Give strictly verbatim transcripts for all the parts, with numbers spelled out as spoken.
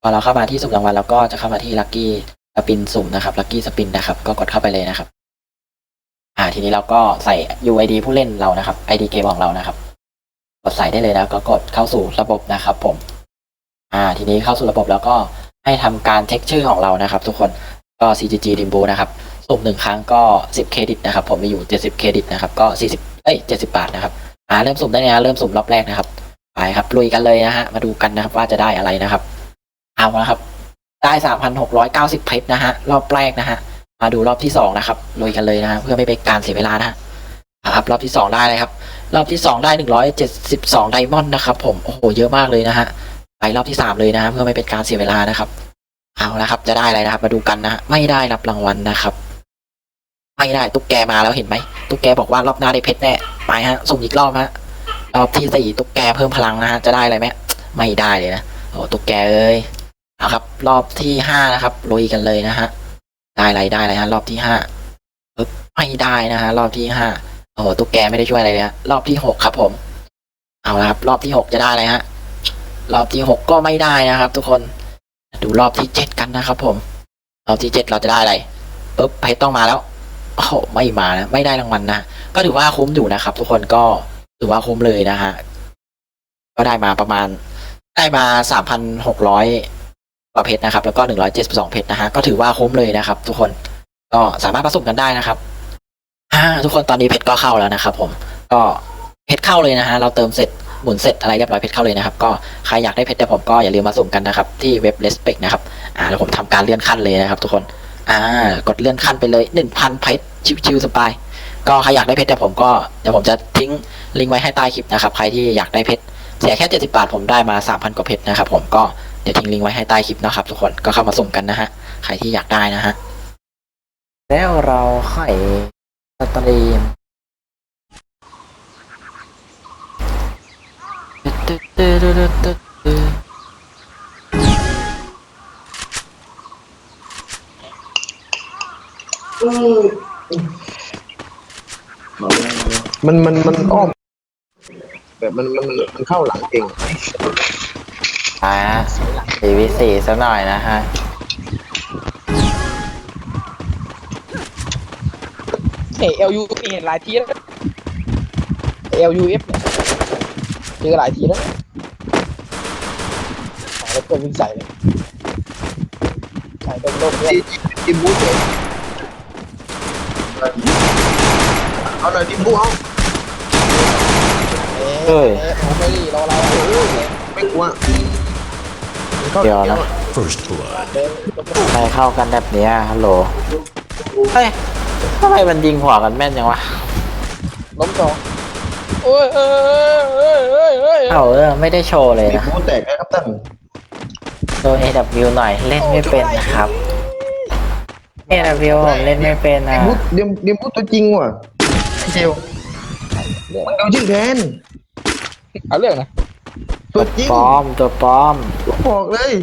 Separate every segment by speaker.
Speaker 1: พอเราเข้ามาที่สุ่มรางวัลแล้วก็จะเข้ามาที่ลัคกี้สปินสุ่มนะครับลัคกี้สปินนะครับก็กดเข้าไปเลยนะครับอ่าทีนี้เราก็ใส่ ยู ไอ ดี ผู้เล่นเรานะครับ ไอ ดี เกมของเรานะครับกดใส่ได้เลยนะก็กดเข้าสู่ระบบนะครับผมอ่าทีนี้เข้าสู่ระบบแล้วก็ให้ทำการเช็คชื่อของเรานะครับทุกคนก็ ซี จี จี Dimbu นะครับสุ่มหนึ่งครั้งก็สิบเครดิตนะครับผมมีอยู่เจ็ดสิบเครดิตนะครับก็สี่สิบเอ้ยเจ็ดสิบบาทนะครับอ่าเริ่มสุ่มได้เลยนะเริ่มสุ่มรอบแรกนะครับไปครับลุยกันเลยนะฮะมาดูกันนะครับว่าจะได้อะไรนะครับเอาละครับได้สามพันหกร้อยเก้าสิบเพชรนะฮะรอบแรกนะฮะมาดูรอบที่สองนะครับลุยกันเลยนะฮะเพื่อไม่เป็นการเสียเวลานะฮะครับรอบที่สองได้เลยครับรอบที่สองได้หนึ่งร้อยเจ็ดสิบสองไดมอนด์นะครับผมโอ้โหเยอะมากเลยนะฮะไปรอบที่สามเลยนะฮะเพื่อไม่เป็นการเสียเวลานะครับเอาละครับจะได้อะไรนะครับมาดูกันนะฮะไม่ได้รับรางวัลนะครับไม่ได้ตุ๊กแกมาแล้วเห็นไหมตุ๊กแกบอกว่ารอบหน้าได้เพชรแน่ไปฮะสุ่มอีกรอบฮะรอบที่สี่ตุ๊กแกเพิ่มพลังนะฮะจะได้อะไรไหมไม่ได้เลยนะโอ้ตุ๊กแกเอ้ยเอาครับรอบที่ห้านะครับลุยกันเลยนะฮะได้อะไรได้อะไรฮะรอบที่ห้าปึ๊บไม่ได้นะฮะรอบที่ห้าโอ้ตุ๊กแกไม่ได้ช่วยอะไรเลยฮะรอบที่หกครับผมเอาละครับรอบที่หกจะได้อะไรฮะรอบที่หกก็ไม่ได้นะครับทุกคนดูรอบที่เจ็ดกันนะครับผมรอบที่เจ็ดเราจะได้อะไรปึ๊บเพชรต้องมาแล้วโอ้โหไม่มานะไม่ได้รางวัลนะก็ถือว่าคุ้มอยู่นะครับทุกคนก็ถือว่าคุ้มเลยนะฮะก็ได้มาประมาณได้มาสามพันหกร้อยกว่าเพชรนะครับแล้วก็หนึ่งร้อยเจ็ดสิบสองเพชรนะฮะก็ถือว่าคุ้มเลยนะครับทุกคนก็สามารถผสมกันได้นะครับอ่าทุกคนตอนนี้เพชรก็เข้าแล้วนะครับผมก็เพชรเข้าเลยนะฮะเราเติมเสร็จหมุนเสร็จอะไรเรียบร้อยเพชรเข้าเลยนะครับก็ใครอยากได้เพชรแต่ผมก็อย่าลืมมาสุ่มกันนะครับที่เว็บ Respect นะครับอ่าแล้วผมทำการเลื่อนขั้นเลยนะครับทุกคนอ่ากดเลื่อนขั้นไปเลย หนึ่งพัน เพชรชิวๆสบายก็ใครอยากได้เพชรแต่ผมก็เดี๋ยวผมจะทิ้งลิงก์ไว้ให้ใต้คลิปนะครับใครที่อยากได้เพชรเสียแค่เจ็ดสิบบาทผมได้มา สามพัน กว่าเพชรนะครับผมก็เดี๋ยวทิ้งลิงก์ไว้ให้ใต้คลิปนะครับทุกคนก็เข้ามาสุ่มกันนะฮะใครที่อยากได้นะฮะแล้วเราค่อยสตรีม
Speaker 2: มันมันมันอ้อมแบบมันมันมันเข้าหลังเอง
Speaker 1: อ่าสี่วิสี่สักหน่อยนะฮะ
Speaker 3: เอเอลยูเห็นหลายทีแล้วเอลยูเอฟเนี่ยเจอหลายทีแล้วแล้วก็วิ่งใส่เลยใส่โดนโลกเนี่ย
Speaker 2: ดิมบูเองเอาหน่อยดิมบูเอา
Speaker 3: เอ้ยผมไม่ดีรอเรา
Speaker 2: ไม่กลัว
Speaker 1: เดี๋ยวนะ
Speaker 4: First blood.
Speaker 3: เดิน
Speaker 1: ใครเข้ากันแบบนี้ฮัลโหลเฮ้ยทำไมมันยิงหัวกันแม่นจังวะ
Speaker 3: ล้มสองโอ้ยเอ้ยเอ้ยเอ้ยเอ้ย
Speaker 1: เอ้าเออไม่ได้โชว์เลย
Speaker 2: ดิม
Speaker 1: นะ
Speaker 2: บูแตกนะครับท่าน
Speaker 1: โดน เอ ดับเบิลยู หน่อยเล่นไม่เป็นนะครับ เอ ดับเบิลยู ผมเล่นไม่เป็น
Speaker 2: ดิ
Speaker 1: นะ
Speaker 2: มบูดิมดิมบูตัวจริงว่ะไอเจลมันเอาชื่อแทน
Speaker 3: เอาเรื่องนะ
Speaker 2: ตัวจริง
Speaker 1: ปลอมตัวปลอม
Speaker 2: บอกเลย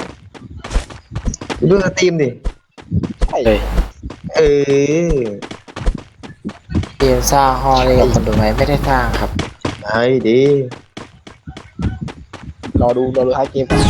Speaker 2: ดูสตรีมดิ
Speaker 3: ใช่
Speaker 1: เลย
Speaker 2: เออ
Speaker 1: ทีมสร้างฮอลเลยกับคนดูไหมไม่ได้สร้างครับ
Speaker 2: ไอ้ดี
Speaker 3: รอดูรอดูท้ายเกมกัน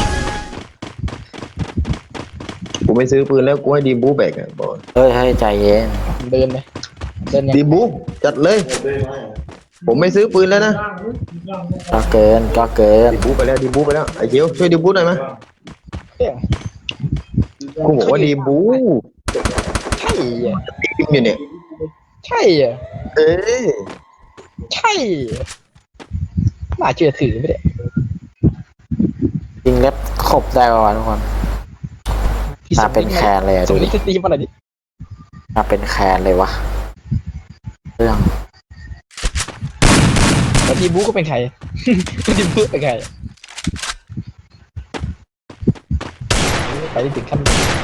Speaker 2: กูไม่ซื้อปืนแล้วกูให้ดิมบูแบกอ่ะบอก
Speaker 1: เฮ้ยเฮ้ยใจเย็น
Speaker 3: เดินเลยเดินยัง
Speaker 2: ดิมบูจัดเลย ผมไม่ซื้อปืนแล้วนะ
Speaker 1: ก็เกินก็เกิน
Speaker 2: ดิมบูไปแล้วดิมบูไปแล้วไอ้เจลช่วยดิมบูหน่อยไหม
Speaker 3: เรื่อง
Speaker 2: กูบอกว่าดิมบู
Speaker 3: ใช่อ่ะ
Speaker 2: ดิมอยู่เนี่ย
Speaker 3: ใช่อ่ะ
Speaker 2: เอ้ย
Speaker 3: ใช่น่าเชื่อถือไม่ได้
Speaker 1: ยิงเล็บขบได้ป่าวะทุกคนมาเป็นแคนเลยอะ
Speaker 3: ส่
Speaker 1: ดู
Speaker 3: ง
Speaker 1: ดิ
Speaker 3: ลิสตีมาหน่อยดิ
Speaker 1: มาเป็นแคนเลยวะเรื่อง
Speaker 3: แต่ทีมบูก็เป็นใคร ทีมบูเป็นใครไปถึงขั้น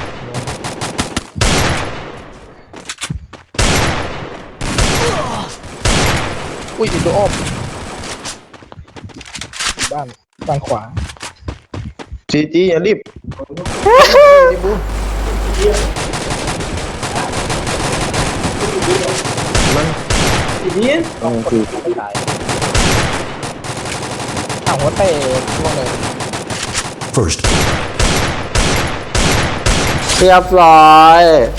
Speaker 3: อุ้ยอีกตัวอ้อมบ้านบ้านขวา
Speaker 2: ซีจีอย่ารีบดิมบูมันอืมคือ
Speaker 3: ไม่ตายอ้าวหัวเตะช่วงเลย
Speaker 4: First blood.
Speaker 1: รียบร้อย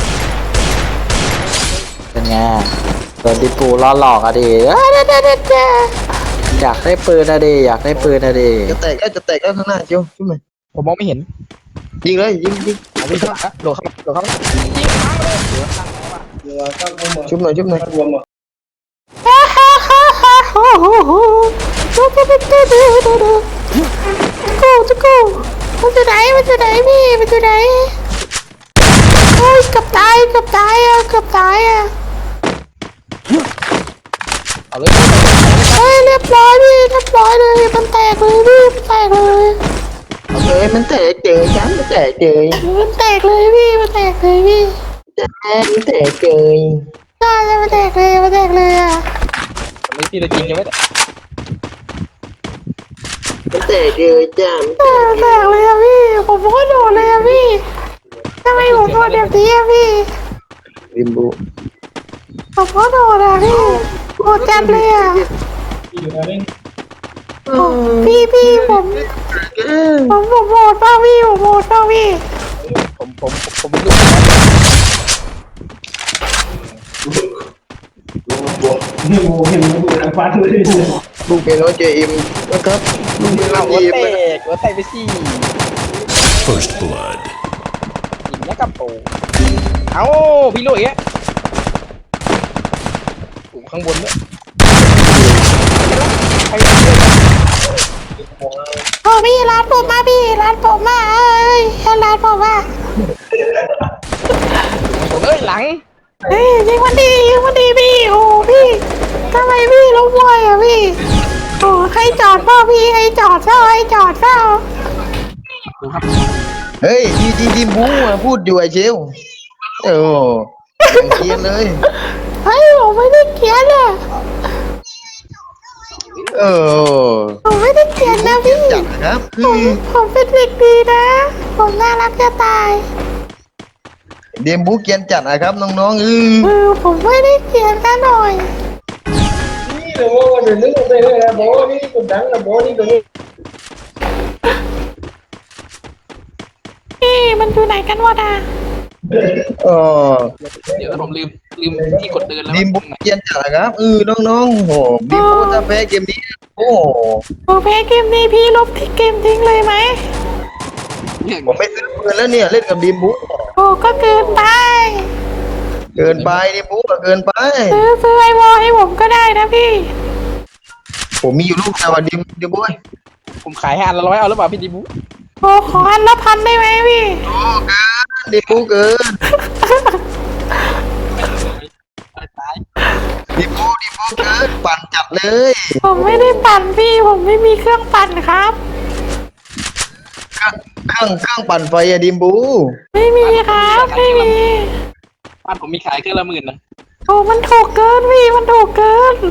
Speaker 1: เป็นไงโดนดิปูล่อหลอกอะดิเอ้ยเด้เด้เด้เด้อยากได้ปืนอะดิอยากได้ปืนอะดิ
Speaker 2: จะแตกก็จะแตกก็ข้างหน้าเจียวชุบหน่อย
Speaker 3: ผมมองไม่เห็น
Speaker 2: ยิงเลยยิงยิง
Speaker 3: เอาวิ่งเข้ามาโดดเข้ามาโดดเข้ามายิงค้างเลยเหลือข้างแล้วอ่ะ
Speaker 2: ชุบหน่อยชุบหน่อย
Speaker 1: ฮ่าฮ่าฮ่าฮ่าโอ้โหดูดูดูดูดูดูดูกูจะกูมันจะไหนมันจะไหนพี่มันจะไหนโอ้ยเกับตายเกับตายอ่ะเกับตายอ่ะ
Speaker 3: เอาเลย
Speaker 1: เฮ้ยเรียบร้อยพี่เรียบร้อยเลยมันแตกเลยพี่มันแตกเลย
Speaker 2: เอาเลยมันแตกเจอฉันมันแตกเจอ
Speaker 1: มันแตกเลยพี่มันแตกเลยพี่
Speaker 2: มันแตกเจอ
Speaker 1: ใช่เลยมันแตกเลยมันแตกเลยอ่ะ
Speaker 3: ไม่ที่เรายิงยังไม่ได้
Speaker 2: มันแตกเจอจ้า
Speaker 1: เออแตกเลยอ่ะพี่ผมก็โดนเลยอ่ะพี่ทำไมผมโดนแบบนี้อ่ะพี่
Speaker 2: ริมบู
Speaker 1: ผมก็โดนอ่ะพี่โดนจัดเลยอ่ะพี่พี่ผมผมผมโหดเปล่าพี่ผมโหดเปล่าพี่
Speaker 3: ผมผมผมไม่รู้
Speaker 2: ลูกเป็นน้องเจอิมนะครับลูกเป็นน้
Speaker 3: เอา
Speaker 2: อง
Speaker 3: หัว
Speaker 2: เจอิม
Speaker 3: แตกหัวแตกไปสิ
Speaker 4: First blood.
Speaker 3: ยิงแล้วกับโปเอาพี่ลุยอ่ะอยู่ข้างบนด้วยใครเล่น
Speaker 1: โอ้พี่ร้านผมมาพี่ร้านผมมาเอ้ยร้านผมมา
Speaker 3: ผมเอ้ยหลัง
Speaker 1: เฮ้ยยิงมันดียิงมันดีพี่โอ้พี่ทำไมพี่ล้มไวอ่ะพี่โอ้ให้จอดเปล่าพี่ให้จอดเปล่าให้จอดเปล่า
Speaker 3: ดูครับ
Speaker 2: เฮ้ยดีดีดิมบูมาพูดอยู่ไอ้เชลโอ้เกียนเลย
Speaker 1: เฮ้ยผมไม่ได้เขียนอ่ะ
Speaker 2: เออ
Speaker 1: ผมไม่ได้เขียนนะพี่
Speaker 2: จัดนะครับ
Speaker 1: ผมผมเป็นเด็กดีนะผมน่ารักจะตาย
Speaker 2: เดมบูเกียนจัดนะครับน้องๆเออ
Speaker 1: เออผมไม่ได้เขียนซะหน่อยนี่มันอยู่ไหนกันวะนะ
Speaker 2: เออ
Speaker 3: เดี๋ยวผมลืมลืมที่กดเดินแล้ว
Speaker 2: ดิมบูเกียนจัดนะครับเออน้องๆโอ้โหดิมบูถ้าแพ้เกมนี้โอ้โห
Speaker 1: โอเคเกมนี้พี่ลบที่เกมทิ้งเลยไหม
Speaker 2: ผมไม่ซื้อปืนแล้วเนี่ยเล่นกับดิมบู
Speaker 1: โอ้ก็เกินไป
Speaker 2: เกินไปดิมบูอะเกินไป
Speaker 1: ซื้อซื้อไอวอลให้ผมก็ได้นะพี่
Speaker 2: ผมมีอยู่ลูกแต่ว่าดิมดิมบู
Speaker 3: ผมขายให้อันละร้อยเอาหรือเปล่าพี่ดิบุ
Speaker 1: โอ้ขออันละพันได้ไหมพี่
Speaker 2: โอ้เกินดิมบูเกิน
Speaker 3: ตาย
Speaker 2: ดิมบูดิมบูเกินปั่นจัดเลย
Speaker 1: ผมไม่ได้ปั่นพี่ผมไม่มีเครื่องปั่นครับ
Speaker 2: เครื่องเครื่องปั่นไฟอะดิมบู
Speaker 1: ไม่มีครับไม่มี
Speaker 3: บ้านผมมีขายเครื่องละหมื่นนะ
Speaker 1: โอ้มันถูกเกินพี่มันถูกเกิน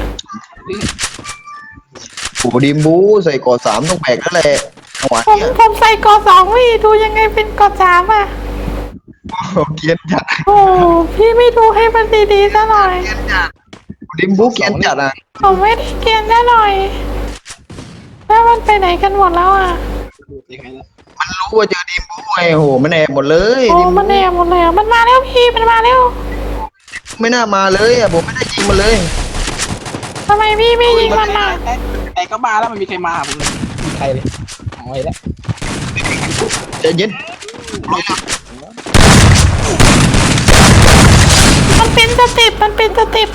Speaker 2: โอ้ดิมบูใส่กอดสามต้องแบกแล้วแหละหัว
Speaker 1: ผม
Speaker 2: เนี่ย
Speaker 1: ผมใส่กอสองพี่ดูยังไงเป็นกอสามอ่ะ
Speaker 2: โอ้เกียนจัด
Speaker 1: โอ้พี่ไม่ดูให้มันดีๆซะหน่อย
Speaker 2: เกียนจัดดิมบูเกียนจัดอ่ะ
Speaker 1: ผมไม่ได้เกรียนซะหน่อยแล้วมันไปไหนกันหมดแล้วอ่ะ
Speaker 3: ยังไงล่ะ
Speaker 2: มันรู้ว่าเจอดิมบูไงโหมันแอบหมดเลย
Speaker 1: โอ้
Speaker 2: ดิมบู
Speaker 1: มันแอบหมดเลยอะมันมาแล้วพี่มันมาแล้ว
Speaker 2: ไม่น่ามาเลยอ่ะผมไม่ได้ยิงมันเลย
Speaker 1: ทำไมพี่ไม่ยิงมันล่ะ
Speaker 3: แต่แต่ก็มาแล้วมันมีใครมาผมเลยมีใครเลยเอาไว้แล้ว
Speaker 2: ใจเย็น
Speaker 1: มันเป็นสเต็ปมันเป็นสเต็ป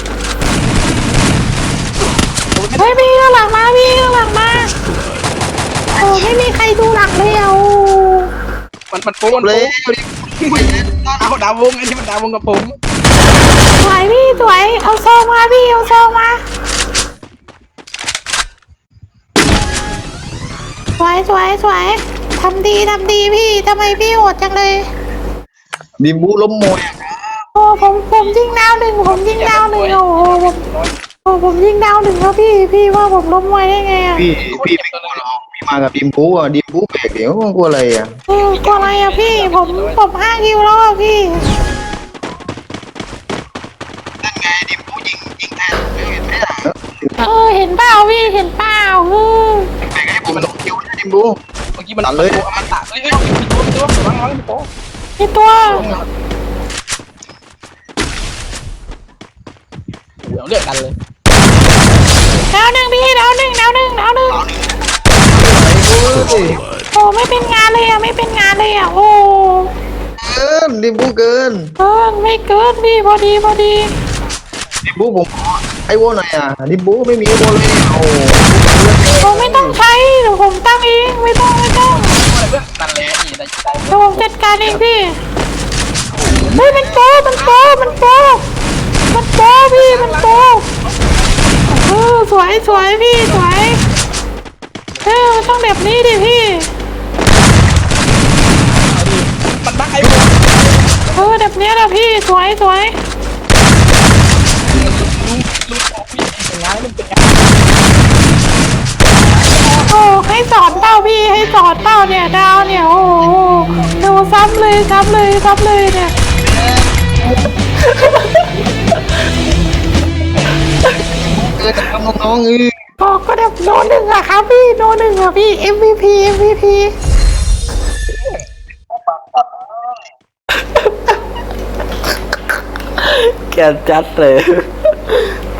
Speaker 1: เฮ้ยพี่ข้างหลังมาพี่ข้างหลังมาโอ้ไม่มีใครดูหลังเลยอ่ะโอ้
Speaker 3: มันมันโป้มัน
Speaker 2: เล
Speaker 3: โป้
Speaker 2: ยดิมบู
Speaker 3: เอาดาววงอันนี้มันดาววงกับผม
Speaker 1: สวยพี่สวยเอาโซมาพี่เอาโซมาสวยสวยสวยทำดีทำดีพี่ทำไมพี่โหดจังเลย
Speaker 2: ดิมบูล้มมวย
Speaker 1: โอ้ผมผมยิงดาวหนึ่งผมยิงดาวหนึ่งโอ้โหผมโอ้ผมยิงดาวหนึ่งแล้วพี่พี่ว่าผมล้มไวได้ไงอ่ะ
Speaker 2: พี่พี่ไม่กลัวหรอกพี่มากับดิมบูอ่ะดิมบูแบกเดี๋ยวกลัวอะไรอ่ะ
Speaker 1: เออกลัวอะไรอ่ะพี่ผมผมห้าคิวแล้วอ่ะพี่
Speaker 2: นั่นไงดิมบูยิงยิงแทนเห็นไหมล่ะ
Speaker 1: เออเห็นเปล่าพี่เห็นเปล่าเออ
Speaker 2: แบกให้ผมสองคิวนะดิมบู
Speaker 3: เมื่อกี้มัน
Speaker 2: ตัดเลย
Speaker 3: มันตัดเฮ้ยเฮ้ยพี่โป้พี่โป้ระวังระวังพี่โป้
Speaker 5: มีตัว
Speaker 3: เดี๋ยวเรียกกันเลย
Speaker 5: ดาวหนึ่งพี่ดาวหนึ่งดาวหนึ่งดาวหนึ่ง
Speaker 2: เฮ้ย
Speaker 5: โอ้ไม่เป็นงานเลยอ่ะไม่เป็นงานเลยอ่ะโอ้
Speaker 2: เกินดิบูเกิน
Speaker 5: เกินไม่เกินพี่พอดีพอดี
Speaker 2: ดิบูผมขอไอโวหน่อยอ่ะดิบูไม่มีไอโวเลยเนี่ยโอ้โห
Speaker 5: ผมไม่ต้องใช้เดี๋ยวผมตั้งเองไม่ต้องไม่ต้อง
Speaker 3: เพื่อนนั่นแหละนี่ได้ใจ
Speaker 5: เดี๋ยวผมจัดการเองพี่เฮ้ยมันโปมันโปมันโปมันโปพี่มันโปเออสวยสวยพี่สวยเออมันต้องแบบนี้ดิพี่
Speaker 3: มันบักไอ้พวก
Speaker 5: เออแบบเนี้ยแหละพี่สวยสวย
Speaker 3: ลูกของพี่เป็นงานมันเป็นงาน
Speaker 5: โอ้ให้สอนเป้าพี่ให้สอนเป้าเนี่ยดาวเนี่ยโอ้โหดูซ้ำเลยซ้ำเลยซ้ำเลยเนี่ย
Speaker 2: เกินจะทำน้องๆเออ
Speaker 5: ก็ก็แบบโนหนึ่งอะครับพี่โนหนึ่งอะพี่ เอ็ม วี พี เอ็ม วี พี
Speaker 1: แกจัดเลย